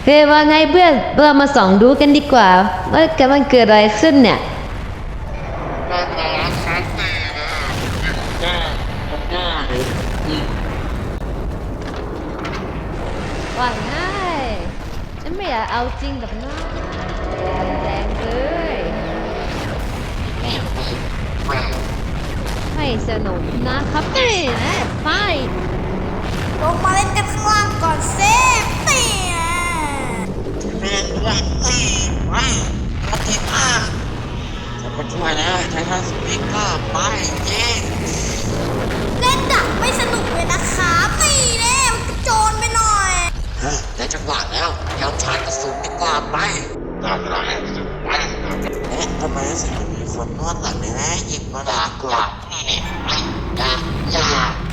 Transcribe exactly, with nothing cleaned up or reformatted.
เฮ้ยว่าไงเพื่อนเรามาส่องดูกันดีกว่าว่ากำลังเกิดอะไรขึ้นเนี่ยน่าจะรักฉันดีนะแน่แน่อืมว่าไงฉันไม่อยากเอาจริงกับน้องแดงเลยไม่สนุกนะครับนี่นะไปลงมาเล่นกันข้างล่างก่อนเซฟนี่นะเรียนด้วยตีไปปฏิภาณจะมาช่วยแล้วไททันสปีกเกอร์ไปเย้เล่นดักไม่สนุกเลยนะครับนี่แน่มันกระโจนไปหน่อยเฮ้ยได้จังหวะแล้วยอมชาร์จกระสุนดีกว่าไปตามหลังจะไปเอ๊ะทำไมรู้สึกเหมือนมีคนนวดหลังเลยนะหยิบมาด่ากลับอย่าอย่า